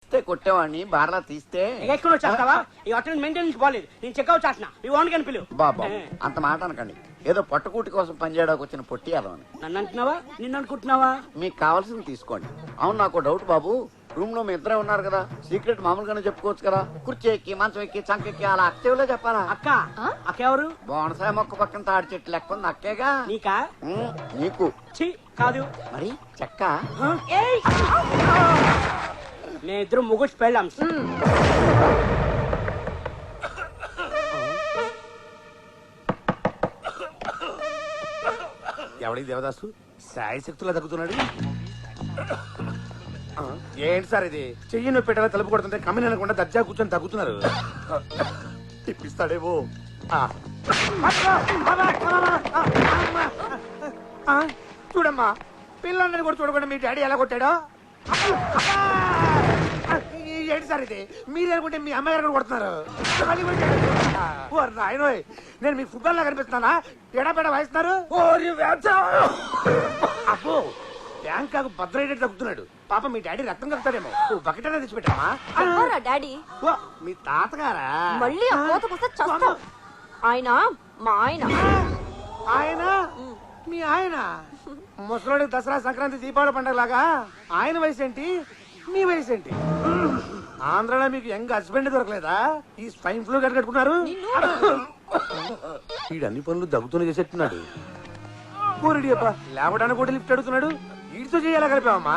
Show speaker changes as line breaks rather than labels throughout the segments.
పిలిస్తే కొట్టేవాడిని, బార్లా తీస్తే
ఎక్కడ వచ్చేస్తావా? ఈ హోటల్ మెయింటెనెన్స్ బాలేదు, నేను చెక్అవుట్ చేస్తున్నా, మీ ఓన్ కని పిలువు.
బాబా అంత మాట అనకండి, ఏదో పట్టుకూటి కోసం పనిచేయడానికి వచ్చిన పొట్టి అని.
నన్ను అంటున్నావా, నిన్ను అనుకుంటున్నావా?
మీకు కావాల్సింది తీసుకోండి. అవును, నాకు డౌట్ బాబు, రూమ్ లో మీ ఇద్దరే ఉన్నారు కదా, సీక్రెట్ మామూలుగానే చెప్పుకోవచ్చు కదా. కుర్చీ ఎక్కి, మంచం ఎక్కి, చంకెక్కి అలా అక్కేవులో చెప్పాలా?
అక్క అక్క ఎవరు?
బోనసాయ మొక్క పక్కన తాడి చెట్టు లెక్క ఉంది అక్కేగా.
నీకా?
నీకు
ఛీ, కాదు.
మరి చెక్క.
నేను ఇద్దరు ముగ్గురు పెళ్ళాం.
ఎవడి దేవదాసు సాయి శక్తులా తగ్గుతున్నాడు. ఏంటి సార్ ఇది? చెయ్యి నొప్పి పెట్టాలా తలుపు కొడుతుంటే కమ్మిన అనకుండా దర్జా కూర్చొని తగ్గుతున్నారు. తిప్పిస్తాడేమో. చూడమ్మా, పిల్లలందరినీ కూడా చూడకుండా మీ డాడీ ఎలా కొట్టాడో. ఏంటి సార్ ఇది? మీరు అనుకుంటే మీ అమ్మాయి గారు కొడుతున్నారు. నాయనోయ్, నేను మీకు ఫుట్బాల్ లా కనిపిస్తున్నానా? ఎడాపెడ వాయిస్తున్నారు. అబ్బో, బ్యాంకాకు భద్రయ్యేటట్టు తగ్గుతున్నాడు. పాప మీ డాడీ రక్తం కలుగుతాడేమో. బకెట్ అనేది తెచ్చిపెట్టామా?
డాడీ
మీ తాతగారా?
మళ్ళీ ఆ కోతకొస్తే చస్తాం. ఆయన మా ఆయన.
ఆయన? మీ ఆయన? ముసలోడికి దసరా, సంక్రాంతి, దీపావళి పండుగలాగా ఆయన వయసు ఏంటి, మీ వయసు ఏంటి? ఆంధ్రాలో మీకు యంగ్ హస్బెండ్ దొరకలేదా? ఈ స్పైన్ ఫ్లూ కట్టుకున్నారు. వీడు అన్ని పనులు దగ్గుతూనే చేసేట్టున్నాడు. కూరడి అబ్బా, లేవడానికి కూడా లిఫ్ట్ అడుగుతున్నాడు. వీడితో చేయాలా కలిపామమ్మా?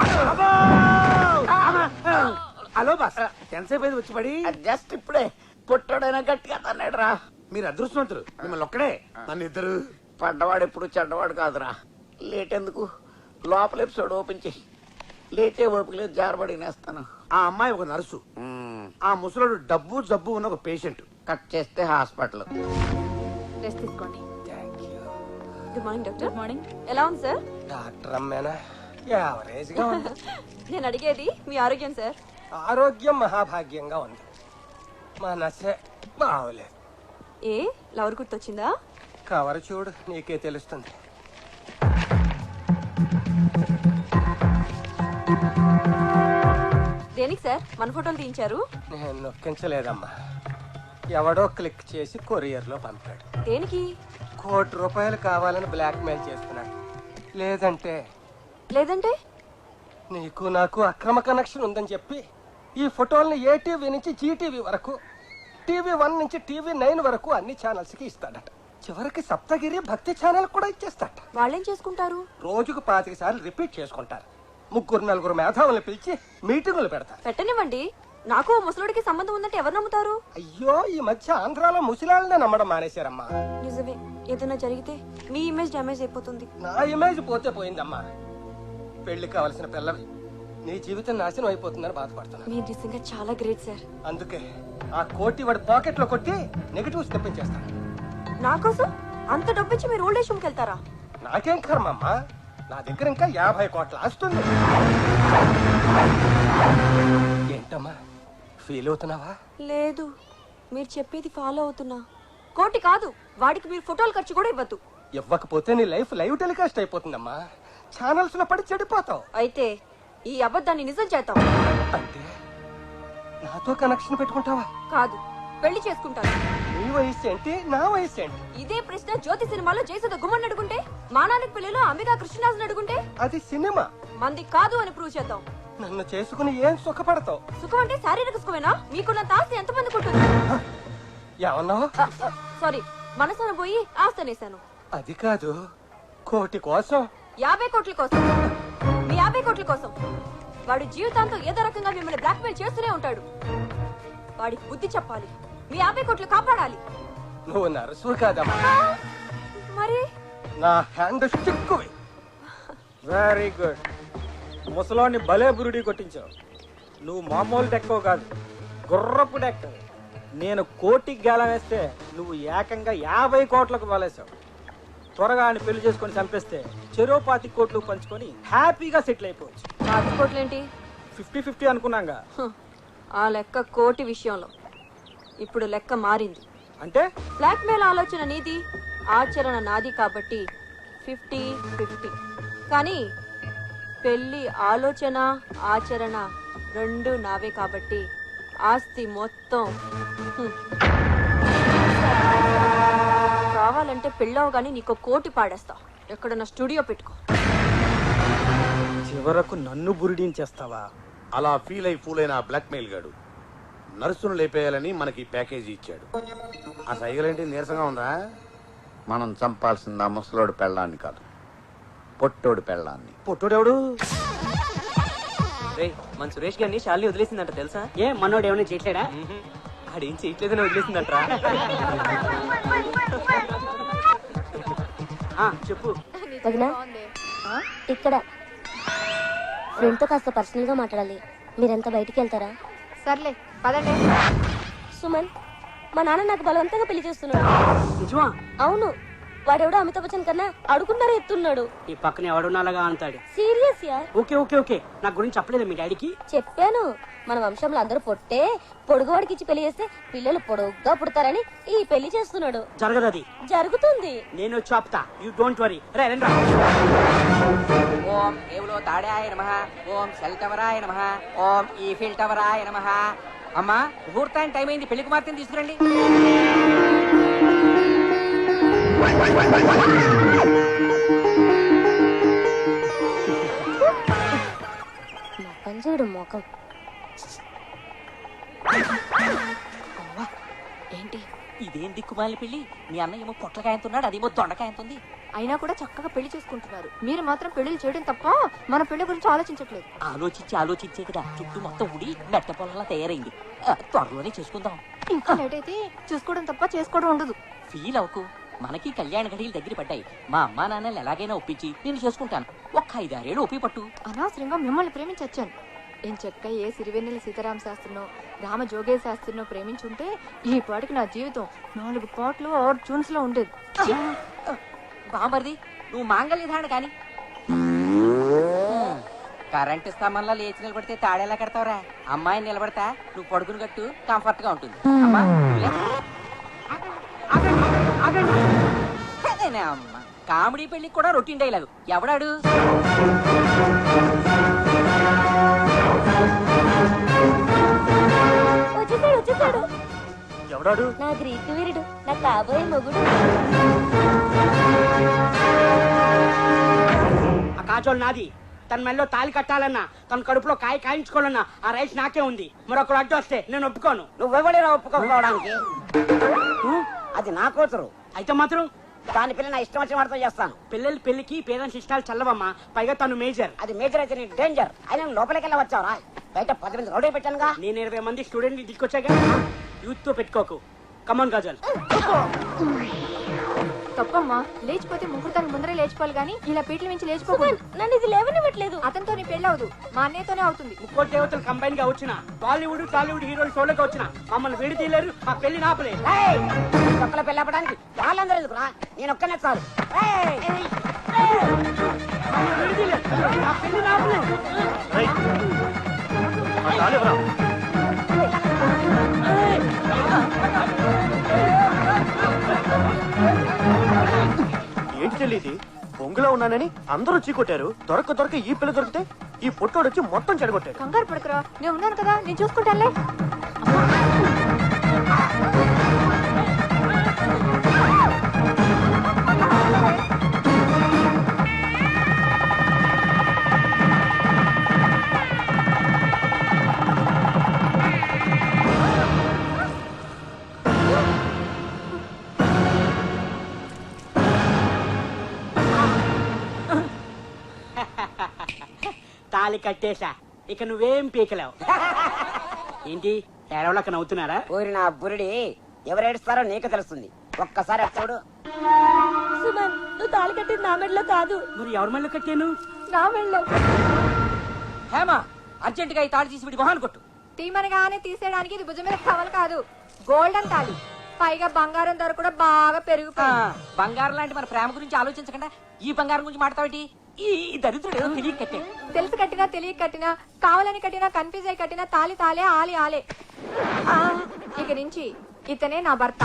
హలో బాస్, ఎంతసేపు అయింది వచ్చి పడి?
జస్ట్ ఇప్పుడే పొట్టాడైనా గట్టిగా తన్నాడు రా.
మీరు అదృష్టవంతులు, మిమ్మల్ని ఒక్కడే. నన్ను ఇద్దరు.
పడ్డవాడు ఎప్పుడు చెడ్డవాడు కాదురా. లేట్ ఎందుకు, లోపల ఎపిసోడ్ ఓపెన్ చేయి. లేటే ఓపిక లేదు, జారబడి నేస్తాను.
ఆ అమ్మాయి ఒక నర్సు, ఆ ముసలోడు డబ్బు జబ్బు ఉన్న ఒక పేషెంట్.
కట్ చేస్తే హాస్పిటల్.
రెస్ట్ తీసుకోండి. Good morning doctor. Good morning. ఎలా ఉంది సార్?
డాక్టర్ అమ్మేనా? యావరేజ్ గా ఉంది.
నేను అడిగేది మీ ఆరోగ్యం సార్.
ఆరోగ్యం మహాభాగ్యంగా ఉంది. మా నసే బాగోలేదు.
ఏ లవర్ గుర్తొచ్చిందా?
కవర్ చూడు, నీకే తెలుస్తుంది.
దేనికి సార్ మన ఫోటోలు తీయించారు?
నేను నొక్కించలేదమ్మా, ఎవడో క్లిక్ చేసి కొరియర్ లో పంపాడు.
దేనికి?
₹1,00,00,000 కావాలని బ్లాక్ మెయిల్ చేస్తున్నాడు. లేదంటే నీకు నాకు అక్రమ కనెక్షన్ ఉందని చెప్పి ఈ ఫోటోల్ని ఏటీవీ నుంచి జీటీవీ వరకు, TV1 నుంచి TV9 వరకు అన్ని ఛానల్స్ కి ఇస్తాడట. చివరికి సప్తగిరి భక్తి ఛానల్ కూడా ఇచ్చేస్తాడట.
వాళ్ళేం చేసుకుంటారు?
రోజుకు 25 సార్లు రిపీట్ చేసుకుంటారు. 3-4 మేధావులను పిలిచి మీటింగులు పెడతారు.
పెట్టనివ్వండి, నాకు ముసలుడికి సంబంధం ఉందంటే ఎవరు నమ్ముతారు?
అయ్యో, ఈ మధ్య ఆంధ్రాలో ముసలాళ్ళనే నమ్మడం మానేశారమ్మా.
నిజమే, ఏదైనా జరిగితే మీ ఇమేజ్ డ్యామేజ్ అయిపోతుంది.
నా ఇమేజ్ పోతే పోయిందమ్మా. పెళ్లి కావలసిన పిల్లవి నీ జీవితం నాశనం అయిపోతుందని బాధపడుతున్నా.
మీరు నిజంగా చాలా గ్రేట్ సార్.
అందుకే ఆ కోటి వాడి పాకెట్ లో కొట్టి నెగటివ్స్ తెప్పించేస్తాను.
నా కోసం అంత డబ్బిచ్చి మీరు ఓల్డ్ ఏజ్ హోమ్కి వెళ్తారా?
నాకేం కర్మమ్మా, నా దగ్గర ఇంకా 50 కోట్ల ఆస్తుంది. ఏంటమ్మా, ఫీల్ అవుతున్నావా?
లేదు, మీరు చెప్పేది ఫాలో అవుతున్నా. కోటి కాదు, వాడికి మీరు ఫోటోలు ఖర్చు కూడా ఇవ్వద్దు.
ఇవ్వకపోతే నీ లైఫ్ లైవ్ టెలికాస్ట్ అయిపోతుందమ్మా. ఛానల్స్ లో పడి చెడిపోతావు.
అయితే ఈ అబద్ధాన్ని నిజం చేద్దాం.
అంటే నాతో కనెక్షన్ పెట్టుకుంటావా?
కాదు, పెళ్లి చేసుకుంటాను.
నీ వయసు ఏంటి, నా వయసు ఏంటి?
ఇదే ప్రశ్న జ్యోతి సినిమాలో జయసుధ గుమ్మని అడుగుంటే, మానానికి పెళ్లిలో అంబికా కృష్ణరాజుని అడుగుంటే,
అది సినిమా.
మంది కాదు అని ప్రూవ్ చేద్దాం.
నన్ను చేసుకుని ఏం సుఖపడతావు?
సుఖం అంటే శారీరక సుఖమేనా? మీకున్నంత ఆస్తి ఎంతమందికి ఉంటుంది?
ఏమన్నావు?
సారీ, మనసున పోయి ఆస్తి అనేశాను.
అది కాదు, కోటి కోసం.
50 కోట్ల కోసం. మీ 50 కోట్ల కోసం వాడు జీవితాంతం ఏదో రకంగా మిమ్మల్ని బ్లాక్మెయిల్ చేస్తూనే ఉంటాడు. వాడికి బుద్ధి చెప్పాలి, మీ 50 కోట్లు కాపాడాలి.
నువ్వు నర్సు కాదమ్మా,
మరి
నా హ్యాండ్ చిక్కువి.
Very good. ముసలోని భలే బురుడి కొట్టించావు. నువ్వు మామూలు డెక్కో కాదు, గుర్రపు డెక్క. నేను కోటికి గేలం వేస్తే నువ్వు ఏకంగా 50 కోట్లకు వలేసావు. త్వరగా ఆయన పెళ్లి చేసుకొని చంపేస్తే చెరో 25 కోట్లు పంచుకొని హ్యాపీగా సెటిల్ అయిపోవచ్చు.
50 కోట్లేంటి?
50-50 అనుకున్నాగా.
ఆ లెక్క కోటి విషయంలో ఇప్పుడు లెక్క మారింది.
అంటే
బ్లాక్ మెయిల్ ఆలోచన నీది, ఆచరణ నాది కాబట్టి 50-50. కానీ పెళ్లి ఆలోచన ఆచరణ రెండు నావే కాబట్టి ఆస్తి మొత్తం కావాలంటే పెళ్ళావు గానీ నీకు కోటి పాడేస్తా. ఎక్కడన్నా స్టూడియో పెట్టుకో.
చివరకు నన్ను బురిడించేస్తావా?
అలా ఫీల్ అయి ఫూల్ అయిన బ్లాక్ మెయిల్ గాడు నర్సును లేపేయాలని మనకి ప్యాకేజీ ఇచ్చాడు. ఆ సైగలేంటి నీరసంగా ఉందా?
మనం చంపాల్సింది ఆ ముసలోడు పెళ్ళాన్ని కాదు, పొట్టోడు పెళ్ళాన్ని.
పొట్టుడెవడు?
మన సురేష్ గారిని శాలిని వదిలేసిందంట తెలుసా?
ఏ మనోడు ఏమైనా చేయట్లేడా?
ఆడేం చేయట్లేదని వదిలేసిందంటరా.
చెప్పు.
వదినా ఇక్కడ ఫ్రెండ్ తో కాస్త పర్సనల్ గా మాట్లాడాలి. మీరెంత బయటికి వెళ్తారా?
సర్లే పదండి.
సుమన్, మా నాన్న నాకు బలవంతంగా పెళ్లి చేస్తున్నాడు.
నిజమా?
అవును, వాడెవడో అమితాబ్ బచ్చన్ కన్నా అడుగున్నారా ఎత్తున్నాడు.
ఈ పక్కన ఎవడున్నాలాగా అంటాడు.
Serious yeah?
Okay okay okay, నా గురించి చెప్పలేదు మీ డాడీకి?
చెప్పాను. మన వంశంలో అందరూ పొట్టే పొడుగువాడికి ఇచ్చి పెళ్లి చేస్తే పిల్లలు పొడుగ్గా పుడతారని ఈ పెళ్లి చేస్తున్నాడు.
జరగదు అది.
జరుగుతుంది.
నేను చెప్తా, యూ డోంట్ వరీ. రే రండి.
ఓం ఏవులో తాడాయ నమః, ఓం సెల్ టవరాయ నమః, ఓం ఈఫిల్ టవరాయ నమః. అమ్మా ముహూర్తానికి టైం అయింది, పెళ్లి కుమార్తెని తీసుకురండి.
పంజుడు మొఖం.
ఏంటి ఇదేం దిక్కుమాలి పెళ్లి? మీ అన్న ఏమో పొట్లకాయంతున్నాడు, అదేమో దొండకాయంతుంది.
అయినా కూడా చక్కగా పెళ్లి చేసుకుంటున్నారు. మీరు మాత్రం పెళ్లి చేయడం తప్ప మన పెళ్లి గురించి ఆలోచించట్లేదు.
ఆలోచించే కదా చుట్టూ మొత్తం ఉడి మెట్ట పొలంలా తయారైంది. త్వరలోనే చేసుకుందాం.
ఇంకా లేట్ అయితే చూసుకోవడం తప్ప చేసుకోవడం ఉండదు.
ఫీల్ అవ్వకు, మనకి కళ్యాణ ఘడియలు దగ్గర పడ్డాయి. మా అమ్మా నాన్నలు ఎలాగైనా ఒప్పించి నేను చేసుకుంటాను. ఒక్క 5-6 ఏళ్ళు ఒప్పి పట్టు.
అనవసరంగా మిమ్మల్ని ప్రేమించొచ్చాను. ఏం చెక్క ఏ సిరివెన్నెల సీతారామ శాస్త్రినో రామ జోగే శాస్త్రినో ప్రేమించుంటే ఈ పాటికి నా జీవితం 4 పాటలు 6 ట్యూన్స్ లో ఉండేది.
బామర్ది నువ్వు మాంగళ్య ధారణ కాని కరెంటు స్తంభంలో లేచి నిలబడితే తాడేలా కడతావురా? అమ్మాయిని నిలబడతా, నువ్వు పడుకుని కట్టు, కంఫర్ట్ గా ఉంటుంది. అమ్మా అమ్మ కామెడీ పెళ్లికి కూడా రొటీన్ డైలాగు. ఎవడాడు?
వచ్చేసాడు.
ఎవడాడు?
నా గ్రీకు వీరుడు, నా కాబోయే మొగుడు.
ఆ కాజోలు నాది. తన మెల్లో తాలి కట్టాలన్నా, తన కడుపులో కాయ కాయించుకోవాలన్నా ఆ రైస్ నాకే ఉంది. మరొకరు అడ్డు వస్తే నేను ఒప్పుకోను.
నువ్వెవడేరా ఒప్పుకోకపోవడానికి? అది నా కూతురు.
అయితే మాత్రం
దాని పిల్ల నా ఇష్టం వచ్చిన వాడితో చేస్తాను.
పిల్లల పెళ్లికి పేరెంట్స్ ఇష్టాలు చల్లవమ్మా. పైగా తను మేజర్.
అది మేజర్ అయితే నీకు డేంజర్. అయినా లోపలికి వెళ్ళి వచ్చావరా? బయట 10 మంది రౌడీ పెట్టానుగా.
నేను 20 మంది స్టూడెంట్ తీసుకొచ్చాగా. యూత్ తో పెట్టుకోకు. కమాన్ కాజల్.
తప్పమ్మా, లేచిపోతే ముహూర్తానికి ముందరే లేచిపోవాలి గానీ ఇలా పీటల నుంచి లేచిపోకూడదు.
నన్ను ఇది లేవనివ్వట్లేదు.
అతనితో నీ పెళ్లి అవదు, మా అన్నయ్యతోనే అవుతుంది.
ముక్కోటి దేవతలు కంబైన్ గా వచ్చిన బాలీవుడ్ టాలీవుడ్ హీరోలు షోలోకి వచ్చిన మమ్మల్ని విడి తీయలేరు. ఆ పెళ్లి నాపలే.
ఒక్కల పెళ్లి అవ్వడానికి వాళ్ళందరూ ఎందుకురా? నేను ఒక్కనే చాలు.
విడి తీయలేరు. ఆ పెళ్లి నాపలే.
ఏంటి చెల్లి ఇది? బొంగులో ఉన్నానని అందరూ చీకొట్టారు. దొరక ఈ పిల్ల దొరికితే ఈ పొట్టోడు వచ్చి మొత్తం చెడగొట్టాడు.
కంగారు పడుకురా, నేను ఉన్నాను కదా, నేను చూసుకుంటానులే.
తాలి కట్టేశా, ఇక నువ్వేం పీకలేవు. ఏంటి ఏడవలక నవ్వుతున్నారా?
ఊరి నా బురిడి ఎవరేడుస్తారో నీకు తెలుస్తుంది. ఒక్కసారి అటు చూడు.
సుమన్, నువ్వు తాళి కట్టింది నా మెడలో కాదు.
మరి ఎవరి మళ్ళీ కట్టాను?
నా మెడలో.
హేమా అర్జెంట్ గా ఈ తాడు తీసి విడి మొహాన్ని కొట్టు.
తీమనగానే తీసేయడానికి ఇది భుజం మీద టవల్ కాదు, గోల్డెన్ తాళి. పైగా బంగారం ధర కూడా బాగా పెరిగిపోయింది.
బంగారం లాంటి మన ప్రేమ గురించి ఆలోచించకుండా ఈ బంగారం గురించి మాట్లాడేటి? ఈ దరిద్రుడు ఏదో తెలియక కట్టే.
తెలిసి కట్టినా తెలియక కట్టినా, కావాలని కట్టినా, కన్ఫ్యూజ్ అయి కట్టినా తాలి తాలే, ఆలి ఆలే. ఇక నుంచి ఇతనే నా భర్త.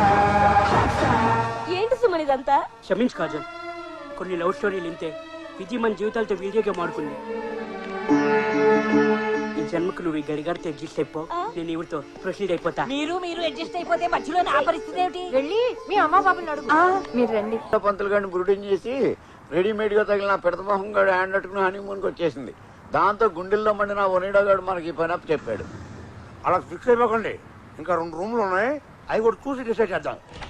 ఏంటి సుమన్ ఇదంతా?
క్షమించు కాజల్, కొన్ని లవ్ స్టోరీలు ఇంతే. విధి మన జీవితాలతో వీడియో గేమ్ ఆడుకుంది. జన్మకు నువ్వు ఈ గడిగారితో అడ్జస్ట్ అయిపో, నేను ఇవిడితో ప్రొసీడ్ అయిపోతా.
మీరు అడ్జస్ట్ అయిపోతే మధ్యలో నా పరిస్థితి ఏమిటి?
వెళ్ళి మీ అమ్మ బాబుని అడుగు. మీరు రండి.
పంతులు గారిని బ్రూటింగ్ చేసి రెడీమేడ్ గా తగిలిన పెడతమోహం గారు హ్యాండ్ అట్టుకుని హనీమూన్కి వచ్చేసింది. దాంతో గుండెల్లో మండిన ఒనిడా గారు మనకి ఈ పని అప్పు చెప్పాడు.
అలా ఫిక్స్ అయిపోకండి, ఇంకా 2 రూమ్లు ఉన్నాయి, అవి కూడా చూసి డిసైడ్ చేద్దాం.